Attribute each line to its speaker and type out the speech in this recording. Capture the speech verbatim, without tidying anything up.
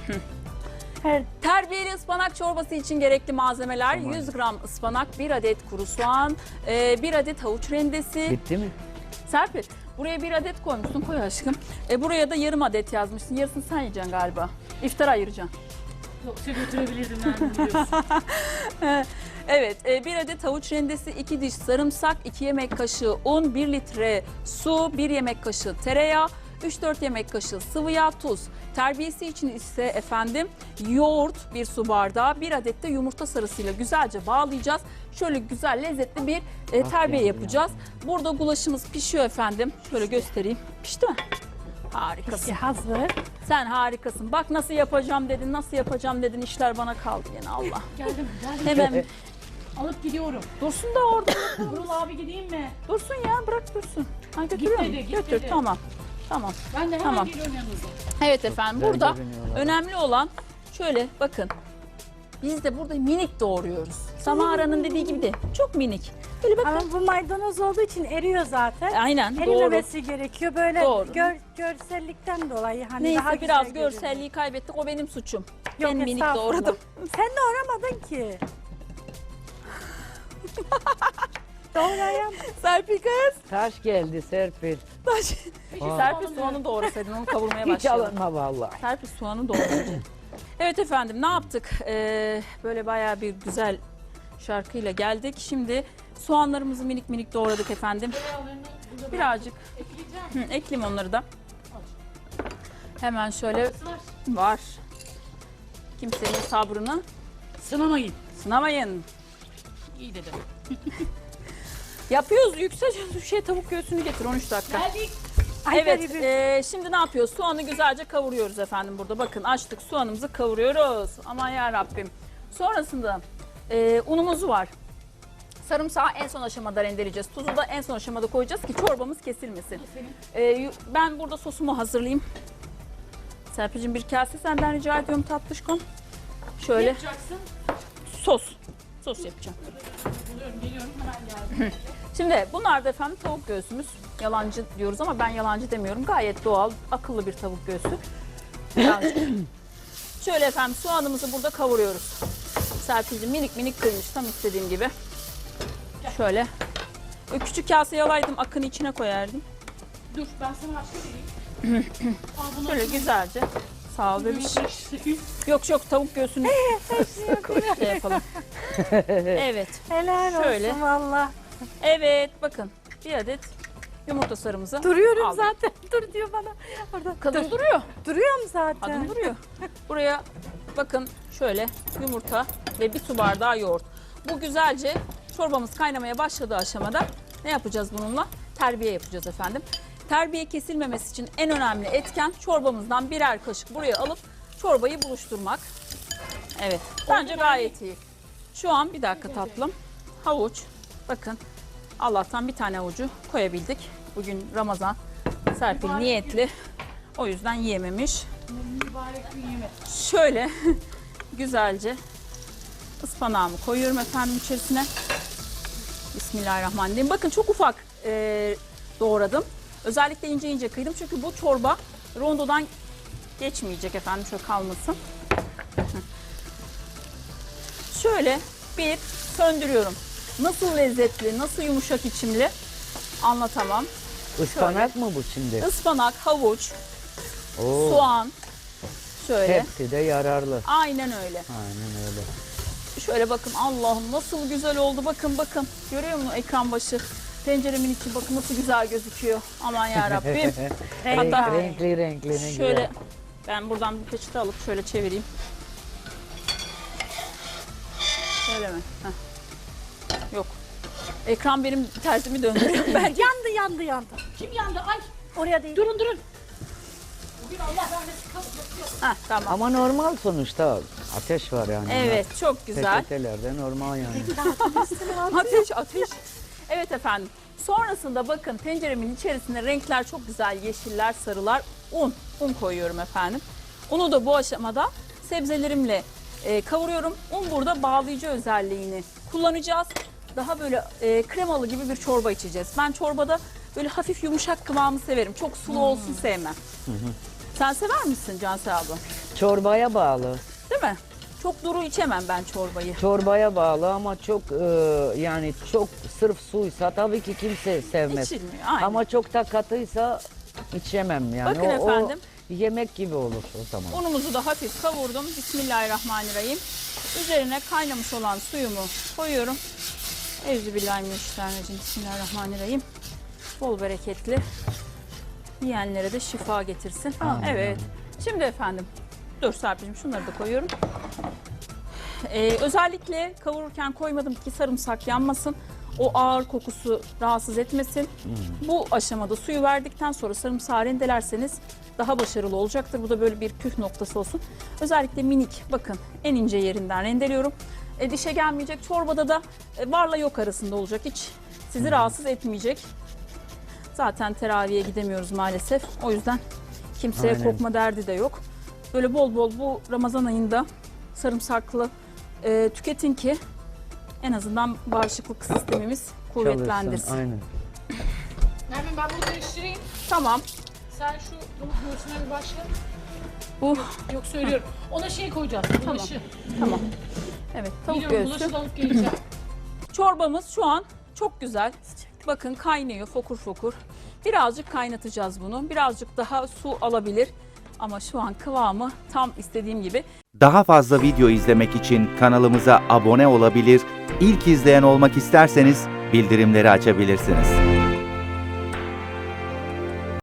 Speaker 1: Her
Speaker 2: Terbiyeli ıspanak çorbası için gerekli malzemeler:
Speaker 3: Tamam.
Speaker 2: yüz gram ıspanak, bir adet kuru soğan, e, bir adet havuç rendesi.
Speaker 3: Bitti mi?
Speaker 2: Serpil, buraya bir adet koymuşsun, koy aşkım. E, buraya da yarım adet yazmışsın. Yarısını sen yiyeceksin galiba. İftara ayıracaksın.
Speaker 4: Yoksa götürebilirdim ben biliyorsun.
Speaker 2: Evet, e, bir adet havuç rendesi, iki diş sarımsak, iki yemek kaşığı un, bir litre su, bir yemek kaşığı tereyağı, üç dört yemek kaşığı sıvı yağ, tuz. Terbiyesi için ise efendim yoğurt bir su bardağı, bir adet de yumurta sarısıyla güzelce bağlayacağız. Şöyle güzel lezzetli bir e,
Speaker 3: Ah
Speaker 2: terbiye
Speaker 3: yavrum
Speaker 2: yapacağız. Burada gulaşımız pişiyor efendim. Şöyle göstereyim. Pişti mi? Harikasın.
Speaker 1: pişi hazır.
Speaker 2: Sen harikasın. Bak nasıl yapacağım dedin, nasıl yapacağım dedin. İşler bana kaldı yine Allah.
Speaker 4: Geldim, geldim.
Speaker 2: Hemen
Speaker 4: Alıp gidiyorum.
Speaker 2: dursun da orada.
Speaker 4: Nurul abi gideyim mi?
Speaker 2: Dursun ya, bırak dursun. Ha, götürüyor
Speaker 4: dedi,
Speaker 2: mu?
Speaker 4: git
Speaker 2: Götür,
Speaker 4: dedi.
Speaker 2: tamam. Tamam.
Speaker 4: Ben de hemen
Speaker 2: Tamam.
Speaker 4: geliyorum yanınıza.
Speaker 2: Evet efendim,
Speaker 3: güzel
Speaker 2: burada
Speaker 3: görünüyorlar.
Speaker 2: önemli olan şöyle bakın. Biz de burada minik doğruyoruz. Samara'nın dediği gibi de çok minik. Böyle bakın.
Speaker 1: Ama bu maydanoz olduğu için eriyor zaten.
Speaker 2: Aynen, doğru.
Speaker 1: Erimemesi gerekiyor böyle
Speaker 2: Doğru.
Speaker 1: gör, görsellikten dolayı hani
Speaker 2: Neyse
Speaker 1: daha güzel
Speaker 2: biraz
Speaker 1: görünüyor.
Speaker 2: görselliği kaybettik, o benim suçum.
Speaker 1: Yok,
Speaker 2: ben minik
Speaker 1: estağfurullah.
Speaker 2: doğradım.
Speaker 1: Sen doğramadın ki. Doğrayan.
Speaker 2: Serpil kız.
Speaker 3: Taş geldi Serpil.
Speaker 2: Taş.
Speaker 3: Aa.
Speaker 2: Serpil soğanı doğrasaydın, onu kavurmaya
Speaker 3: Hiç
Speaker 2: başlayalım.
Speaker 3: alınma vallahi.
Speaker 2: Serpil soğanı doğrayacak. Evet efendim, ne yaptık? Ee, böyle bayağı bir güzel şarkıyla geldik. Şimdi soğanlarımızı minik minik doğradık efendim.
Speaker 4: Tereyağlarını burada
Speaker 2: Birazcık
Speaker 4: ekleyeceğim.
Speaker 2: hı, ekleyeyim onları da. Hemen şöyle
Speaker 4: Var.
Speaker 2: var. Kimsenin sabrını
Speaker 4: Sınamayın.
Speaker 2: sınamayın.
Speaker 4: İyi dedim.
Speaker 2: Yapıyoruz. Yüksel şey, tavuk göğsünü getir on üç dakika.
Speaker 4: Geldik.
Speaker 1: Ay,
Speaker 2: Evet,
Speaker 1: garibim.
Speaker 2: e, şimdi ne yapıyoruz? Soğanı güzelce kavuruyoruz efendim burada. Bakın açtık, soğanımızı kavuruyoruz. Aman ya Rabbim. Sonrasında e, unumuz var. Sarımsağı en son aşamada rendeleyeceğiz. Tuzu da en son aşamada koyacağız ki çorbamız kesilmesin. E, yu- ben burada sosumu hazırlayayım. Serpil'cim bir kase senden rica ediyorum tatlışkom.
Speaker 4: Ne
Speaker 2: Şöyle
Speaker 4: yapacaksın?
Speaker 2: sos. Sos yapacağım.
Speaker 4: Buluyorum, geliyorum. Hemen geldim.
Speaker 2: Şimdi bunlar da efendim tavuk göğsümüz. Yalancı diyoruz ama ben yalancı demiyorum. Gayet doğal, akıllı bir tavuk göğsü. Birazcık. Şöyle efendim soğanımızı burada kavuruyoruz. Serpil'cim minik minik kıymış tam istediğim gibi. Şöyle. O küçük kaseyi alaydım, akını içine koyardım.
Speaker 4: Dur, ben sana başka vereyim. Al bunu.
Speaker 2: Şöyle güzelce. Sağ ol bebiş.
Speaker 4: Bebiş.
Speaker 2: Yok yok, tavuk göğsünü şey yapalım. Evet.
Speaker 1: Helal
Speaker 2: Şöyle.
Speaker 1: olsun valla.
Speaker 2: Evet bakın bir adet yumurta sarımızı
Speaker 1: Duruyorum
Speaker 2: aldım.
Speaker 1: zaten. Dur diyor bana. Orada.
Speaker 2: Kadın
Speaker 1: Dur.
Speaker 2: duruyor.
Speaker 1: Duruyorum zaten.
Speaker 2: Kadın duruyor. Buraya bakın şöyle yumurta ve bir su bardağı yoğurt. Bu güzelce çorbamız kaynamaya başladığı aşamada ne yapacağız bununla? Terbiye yapacağız efendim. Terbiye kesilmemesi için en önemli etken çorbamızdan birer kaşık buraya alıp çorbayı buluşturmak. Evet, bence gayet iyi. Şu an bir dakika tatlım. Havuç, bakın Allah'tan bir tane havucu koyabildik. Bugün Ramazan, Serpil niyetli. O yüzden yiyememiş.
Speaker 4: Mübarek gün yeme.
Speaker 2: Şöyle güzelce ıspanağımı koyuyorum efendim içerisine. Bismillahirrahmanirrahim. Bakın çok ufak e, doğradım. Özellikle ince ince kıydım çünkü bu çorba rondodan geçmeyecek efendim. Şöyle kalmasın. Şöyle bir söndürüyorum. Nasıl lezzetli, nasıl yumuşak içimli anlatamam.
Speaker 3: Ispanak mı bu şimdi?
Speaker 2: Ispanak, havuç,
Speaker 3: Oo,
Speaker 2: soğan. Şöyle.
Speaker 3: hepsi de yararlı.
Speaker 2: Aynen öyle.
Speaker 3: Aynen öyle.
Speaker 2: Şöyle bakın, Allah'ım nasıl güzel oldu. Bakın bakın. Görüyor musun ekran başı? Tenceremin içi bakın nasıl güzel gözüküyor. Aman ya Rabbim.
Speaker 3: Renk,
Speaker 2: Hatta
Speaker 3: renkli renkli ne
Speaker 2: şöyle
Speaker 3: güzel.
Speaker 2: ben buradan bir peçete alıp şöyle çevireyim. Şöyle mi? Heh. Yok. Ekran benim tersimi döndürüyor. Ben
Speaker 1: Yandı yandı yandı.
Speaker 4: Kim yandı? Ay.
Speaker 1: Oraya değil.
Speaker 4: Durun durun. Bugün Allah rahmetli kalıp
Speaker 2: Heh, tamam.
Speaker 3: Ama normal sonuçta ateş var yani.
Speaker 2: Evet, çok güzel.
Speaker 3: Peçetelerde normal yani.
Speaker 2: Ateş, ateş. Evet efendim. Sonrasında bakın tenceremin içerisinde renkler çok güzel. Yeşiller, sarılar. Un. Un koyuyorum efendim. Unu da bu aşamada sebzelerimle e, kavuruyorum. Un burada bağlayıcı özelliğini kullanacağız. Daha böyle e, kremalı gibi bir çorba içeceğiz. Ben çorbada böyle hafif yumuşak kıvamı severim. Çok sulu olsun sevmem. Sen sever misin Cansel abla?
Speaker 3: Çorbaya bağlı.
Speaker 2: Değil mi? Çok duru içemem ben çorbayı.
Speaker 3: Çorbaya bağlı ama çok e, yani çok sırf suysa tabii ki kimse sevmez.
Speaker 2: İçilmiyor, aynen.
Speaker 3: Ama çok da katıysa içemem yani.
Speaker 2: Bakın
Speaker 3: o,
Speaker 2: efendim.
Speaker 3: O yemek gibi olur o zaman.
Speaker 2: Unumuzu da hafif kavurdum. Bismillahirrahmanirrahim. Üzerine kaynamış olan suyumu koyuyorum. Euzubillahimineşşeytanirracim. Bismillahirrahmanirrahim. Bol bereketli. Yiyenlere de şifa getirsin.
Speaker 3: Amin.
Speaker 2: Evet. Şimdi efendim. Dur Serpil'cim şunları da koyuyorum. Ee, özellikle kavururken koymadım ki sarımsak yanmasın. O ağır kokusu rahatsız etmesin.
Speaker 3: Hmm.
Speaker 2: Bu aşamada suyu verdikten sonra sarımsağı rendelerseniz daha başarılı olacaktır. Bu da böyle bir püf noktası olsun. Özellikle minik, bakın en ince yerinden rendeliyorum. E, dişe gelmeyecek. Çorbada da e, varla yok arasında olacak. Hiç sizi
Speaker 3: Hmm.
Speaker 2: rahatsız etmeyecek. Zaten teraviye gidemiyoruz maalesef. O yüzden kimseye
Speaker 3: Aynen.
Speaker 2: kokma derdi de yok. Böyle bol bol bu Ramazan ayında sarımsaklı e, tüketin ki en azından bağışıklık sistemimiz kuvvetlendirsin.
Speaker 3: Çalışsın, aynen.
Speaker 4: Nermin ben bunu karıştırayım.
Speaker 2: Tamam.
Speaker 4: Sen şu tavuk göğsüne bir başla.
Speaker 2: Bu
Speaker 4: Yok söylüyorum. Ona şey koyacağız. Bulaşı.
Speaker 2: tamam. Evet, tavuk
Speaker 4: Biliyorum
Speaker 2: göğsü.
Speaker 4: bulaşı da alıp geleceğim.
Speaker 2: Çorbamız şu an çok güzel. Bakın kaynıyor fokur fokur. Birazcık kaynatacağız bunu. Birazcık daha su alabilir. Ama şu an kıvamı tam istediğim gibi.
Speaker 5: Daha fazla video izlemek için kanalımıza abone olabilir, ilk izleyen olmak isterseniz bildirimleri açabilirsiniz.